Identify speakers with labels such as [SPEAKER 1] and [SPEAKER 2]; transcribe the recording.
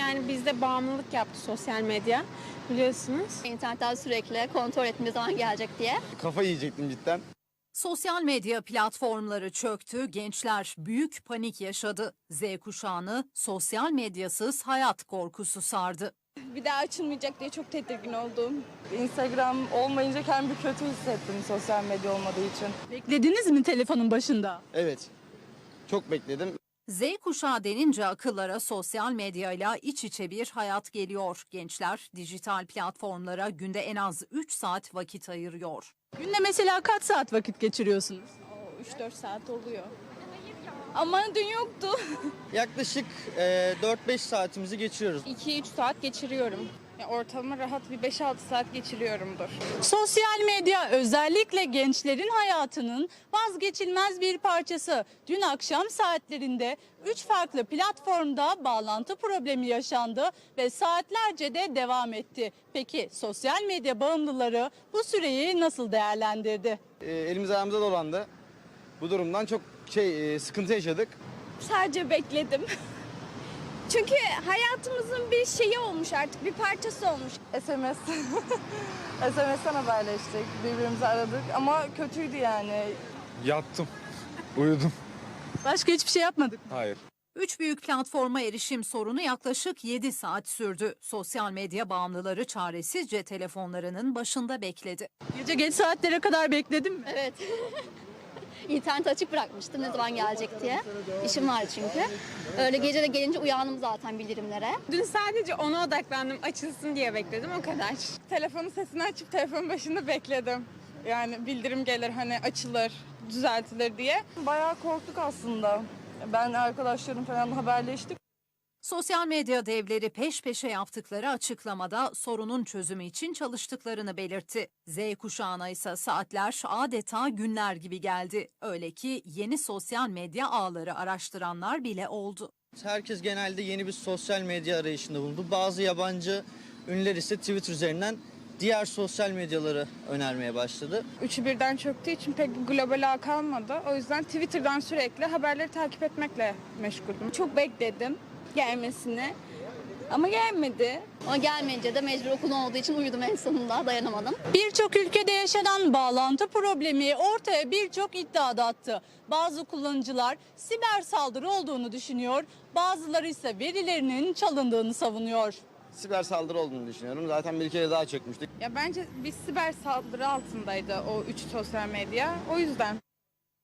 [SPEAKER 1] yani bizde bağımlılık yaptı sosyal medya biliyorsunuz.
[SPEAKER 2] İnternetten sürekli kontrol ettiğim zaman gelecek diye.
[SPEAKER 3] Kafa yiyecektim cidden.
[SPEAKER 4] Sosyal medya platformları çöktü, gençler büyük panik yaşadı. Z kuşağını sosyal medyasız hayat korkusu sardı.
[SPEAKER 5] Bir daha açılmayacak diye çok tedirgin oldum. Instagram olmayınca kendimi kötü hissettim sosyal medya olmadığı için.
[SPEAKER 6] Beklediniz mi telefonun başında?
[SPEAKER 3] Evet. Çok bekledim.
[SPEAKER 4] Z kuşağı denince akıllara sosyal medyayla iç içe bir hayat geliyor. Gençler dijital platformlara günde en az 3 saat vakit ayırıyor.
[SPEAKER 6] Günde mesela kaç saat vakit geçiriyorsunuz?
[SPEAKER 5] 3-4 saat oluyor. Ama dün yoktu.
[SPEAKER 3] Yaklaşık 4-5 saatimizi geçiriyoruz.
[SPEAKER 5] 2-3 saat geçiriyorum. Ortalama rahat bir 5-6 saat geçiriyorumdur.
[SPEAKER 6] Sosyal medya özellikle gençlerin hayatının vazgeçilmez bir parçası. Dün akşam saatlerinde 3 farklı platformda bağlantı problemi yaşandı ve saatlerce de devam etti. Peki sosyal medya bağımlıları bu süreyi nasıl değerlendirdi?
[SPEAKER 3] Elimiz ayağımıza dolandı. Bu durumdan çok sıkıntı yaşadık.
[SPEAKER 5] Sadece bekledim. Çünkü hayatımızın bir şeyi olmuş artık, bir parçası olmuş. SMS. SMS'ten haberleştik, birbirimizi aradık ama kötüydü yani.
[SPEAKER 7] Yattım, uyudum.
[SPEAKER 6] Başka hiçbir şey yapmadık.
[SPEAKER 7] Hayır.
[SPEAKER 4] 3 büyük platforma erişim sorunu yaklaşık 7 saat sürdü. Sosyal medya bağımlıları çaresizce telefonlarının başında bekledi.
[SPEAKER 6] Gece geç saatlere kadar bekledim mi?
[SPEAKER 2] Evet. İnterneti açık bırakmıştım ne zaman gelecek diye. İşim vardı çünkü. Öyle gece de gelince uyandım zaten bildirimlere.
[SPEAKER 1] Dün sadece ona odaklandım, açılsın diye bekledim, o kadar.
[SPEAKER 5] Telefonun sesini açıp telefonun başında bekledim. Yani bildirim gelir hani açılır, düzeltilir diye. Bayağı korktuk aslında. Ben arkadaşlarım falan haberleştik.
[SPEAKER 4] Sosyal medya devleri peş peşe yaptıkları açıklamada sorunun çözümü için çalıştıklarını belirtti. Z kuşağına ise saatler adeta günler gibi geldi. Öyle ki yeni sosyal medya ağları araştıranlar bile oldu.
[SPEAKER 3] Herkes genelde yeni bir sosyal medya arayışında bulundu. Bazı yabancı ünlüler ise Twitter üzerinden diğer sosyal medyaları önermeye başladı.
[SPEAKER 5] Üçü birden çöktüğü için pek bir global ağ kalmadı. O yüzden Twitter'dan sürekli haberleri takip etmekle meşguldüm. Çok bekledim gelmesini ama gelmedi.
[SPEAKER 2] Ama gelmeyince de mecbur okul olduğu için uyudum en sonunda, dayanamadım.
[SPEAKER 6] Birçok ülkede yaşanan bağlantı problemi ortaya birçok iddia da attı. Bazı kullanıcılar siber saldırı olduğunu düşünüyor, bazıları ise verilerinin çalındığını savunuyor.
[SPEAKER 3] Siber saldırı olduğunu düşünüyorum. Zaten bir kere daha çökmüştük.
[SPEAKER 5] Ya bence bir siber saldırı altındaydı o üç sosyal medya. O yüzden.